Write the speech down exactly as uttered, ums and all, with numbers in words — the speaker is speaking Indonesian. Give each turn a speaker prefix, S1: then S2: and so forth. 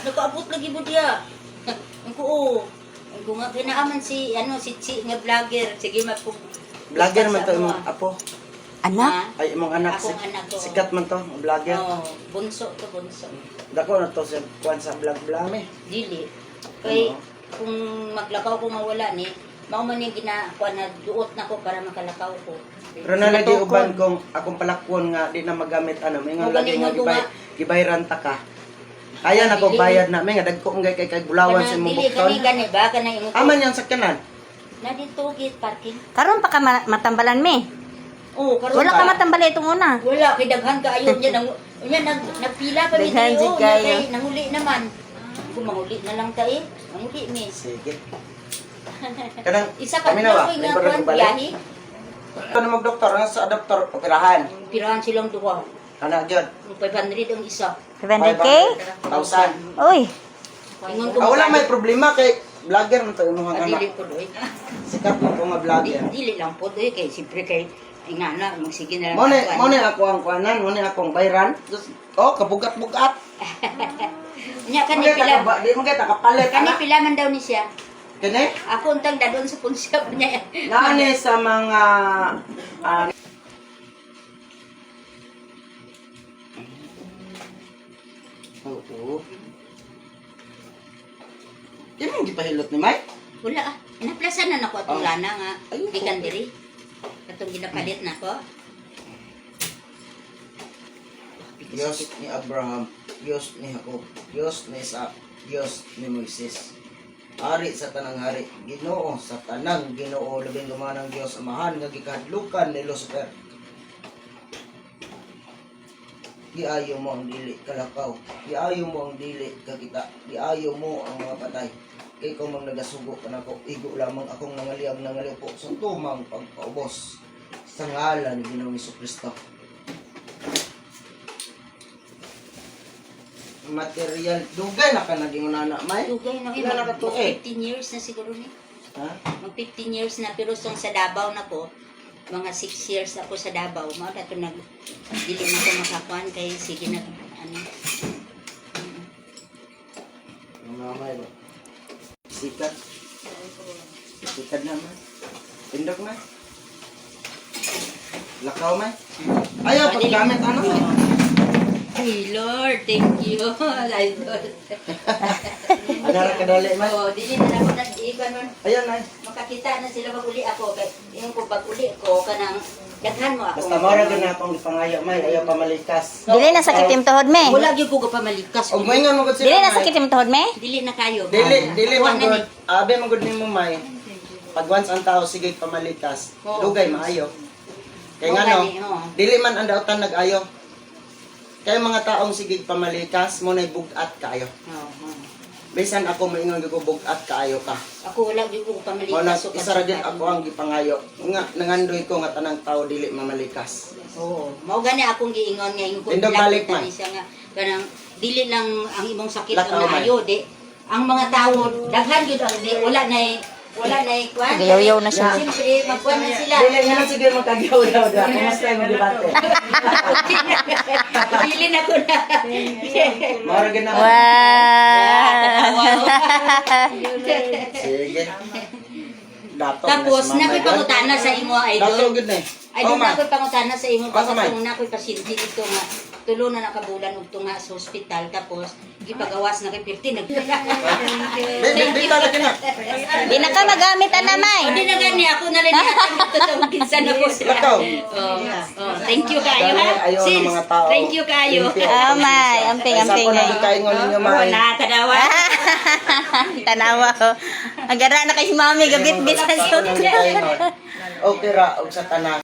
S1: nakaabot lagi mo diya. Ang ko, oh. Ang ko nga, kinaaman si, ano, si Chi nga vlogger. Sige, magpug...
S2: Vlogger man to imong apo.
S3: Anak?
S2: Ay imong anak,
S1: Akong
S2: sik-
S1: anak ko.
S2: sikat man to, vlogger.
S1: Oo, bunso to, bunso.
S2: Dako na to sa kuan sa vlog-vlog eh.
S1: Dili. Kay,
S2: Oo.
S1: kung maglakaw ko mawala ni, mao man yung ginakuha na duot na ko para makalakaw ko.
S2: Pero na lagi uban kung akong palakwon nga di na magamit ano, may nga
S1: O,
S2: lagi
S1: galing
S2: nga
S1: nga
S2: gibay
S1: nga.
S2: gibayran ta ka. Kaya na ko
S1: Dili.
S2: bayad na, may nga dagko ngay kay kay bulawan sa imong
S1: Dili,
S2: bukton.
S1: kani, gani ba? Kanang imo ko.
S2: Aman yan sa kanan.
S1: Na dito, gate parking.
S3: Karon pa ka ma- matambalan me.
S1: Oo, karon
S3: Wala ka matambali itong una.
S1: Wala, kay daghan ka ayun niya. Nang, niya nag, nagpila pa mi
S3: Daghan
S1: tayo.
S3: si kayo.
S1: Kay nanguli naman. Kung manguli na lang tayo. Manguli, miss.
S2: Sige. Kanang
S1: Isa ka
S2: kami na ba?
S1: ko
S2: May
S1: nga
S2: barang
S1: kuan
S2: balik.
S1: biyahe.
S2: Ano mag doktor ang sa doktor operahan.
S1: Pirahan silang duha.
S2: Ana gyud.
S1: five hundred ang isa.
S3: five hundred K?
S2: Thousand.
S3: Uy,
S1: Ingon ko
S2: Ah, wala may
S1: magkano.
S2: problema kay vlogger man to imong
S1: Ah, dili
S2: anak.
S1: po doy.
S2: Sikat man ko nga vlogger.
S1: Di- Dili lang po doy kay siyempre kay ingana magsige na lang.
S2: Mo ni
S1: ang
S2: mo ni
S1: kuan.
S2: ako ang kuanan, mo ni akong bayran. Just- Oh, kabugat-bugat.
S1: Nya kani
S2: Mo kay
S1: pila.
S2: taka di mo kay takapalit
S1: Kani
S2: ana.
S1: pila man daw ni siya.
S2: Kani?
S1: Ako untang dadon sa punsya niya.
S2: Naani sa mga ah, Oo. Yan ang gipahilot ni Mike.
S1: Wala ah. Inaplasan na nako atong
S2: Oh.
S1: lana nga.
S2: Ayun,
S1: Gikan
S2: okay.
S1: diri. Katong ginapalit nako.
S2: Diyos ni Abraham, Diyos ni Jacob, Diyos ni Isaac, Diyos ni Moises. Hari sa tanang hari, Ginoo sa tanang Ginoo, labing gumanang Diyos amahan nga gikahadlukan ni Lucifer. Giayo mo ang dili kalakaw, giayo mo ang dili kakita, giayo mo ang mga patay. Kay kung mang nagasugo ka nako, igo lamang akong nangaliyab nangaliyab po sa tumang pagpaubos sa ngalan ni Ginoong Jesucristo. Material, dugay na ka naging nana, May?
S1: Dugay na
S2: Ilan na ka to, eh?
S1: fifteen years na siguro ni.
S2: Ha?
S1: Mag fifteen years na pero song sa Davao na ko. Mga six years ako sa Davao. Mao dato nag dili na ko makakuan kay sige nag ano.
S2: Mga May ba? Sikat. Sikat na, May. Pindok, May. Lakaw, May. Ayaw, paggamit, ano, May?
S1: Ay, Lord, thank you. Ay, Lord.
S2: Adara ka dali, May.
S1: Oh, dili na ako nag-iiba nun.
S2: Ayan, May.
S1: Makakita na sila pag-uli ako. Kaya yung ko pag-uli ko, kanang daghan mo ako.
S2: Basta mara din na akong ipangayo, May. Ayaw pamalikas.
S3: dili na sakit yung tuhod me.
S1: Wala gyud ko pamalikas.
S2: O, may nga mo
S3: Dili na sakit yung tuhod me.
S1: Dili na kayo.
S2: Dili, dili
S1: Kuha
S2: man
S1: na
S2: good. Abe man good nimo, May. Pag once ang tao sige pamalikas,
S1: Oo.
S2: dugay maayo. Kaya
S1: Oo,
S2: nga no,
S1: gani, oo.
S2: dili man ang dautan nag-ayo. Kaya mga taong sige pamalikas, mo na bugat kaayo.
S1: Oo, oo.
S2: Bisan ako maingon gyud bugat kaayo ka.
S1: Ako wala gyud ko pamalikas.
S2: Mo na
S1: so
S2: isa ra gyud ako ang gipangayo. Nga nangandoy ko nga tanang tao dili mamalikas.
S1: Oo. Mao gani akong giingon nga ingon ko
S2: Tindog
S1: vlog
S2: balik,
S1: kita
S2: man.
S1: ni siya nga kanang dili lang ang imong sakit
S2: Lakaw,
S1: ang
S2: man.
S1: naayo di. Ang mga tao daghan gyud ang di wala na wala na kwan.
S3: Nagayaw-yaw na siya.
S1: Siyempre magkuan na sila.
S2: Dili nga sige magkagyaw daw da. Kumusta yung debate?
S1: Dili na ko na.
S2: Mara gyud na.
S3: Wow.
S2: Sige. Dato.
S1: Tapos nakoy pangutana sa imo
S2: Dato
S1: idol.
S2: gyud na.
S1: Ay,
S2: Oh,
S1: doon
S2: ma.
S1: ako'y pangutana sa imo.
S2: Basta,
S1: Kasi
S2: man.
S1: kung ako'y pasyente dito nga, tulo na nakabulan og tunga sa ospital. Tapos, gipagawas na kay fifty. Nag-
S2: Di di talaga na.
S3: Di na ka magamit ana may.
S1: Hindi na gani ako na rin ito sa kinsan ako sila.
S2: Lakaw.
S1: Oh, oh, thank you kayo ha.
S2: Dahil ayaw ng
S1: Sis,
S2: mga tao.
S1: thank you kayo.
S2: Limpyo.
S3: Ah, May. Amping,
S2: Ay,
S3: amping,
S2: Sa ako
S3: ay.
S2: na kaingon ninyo,
S1: Oh,
S2: May.
S1: nakakadawa.
S3: Tanawa ko. Agara na kay si mami gabit-bit sa
S2: Sa ako
S3: suit.
S2: nang kaingon. Okay ra og sa tanan.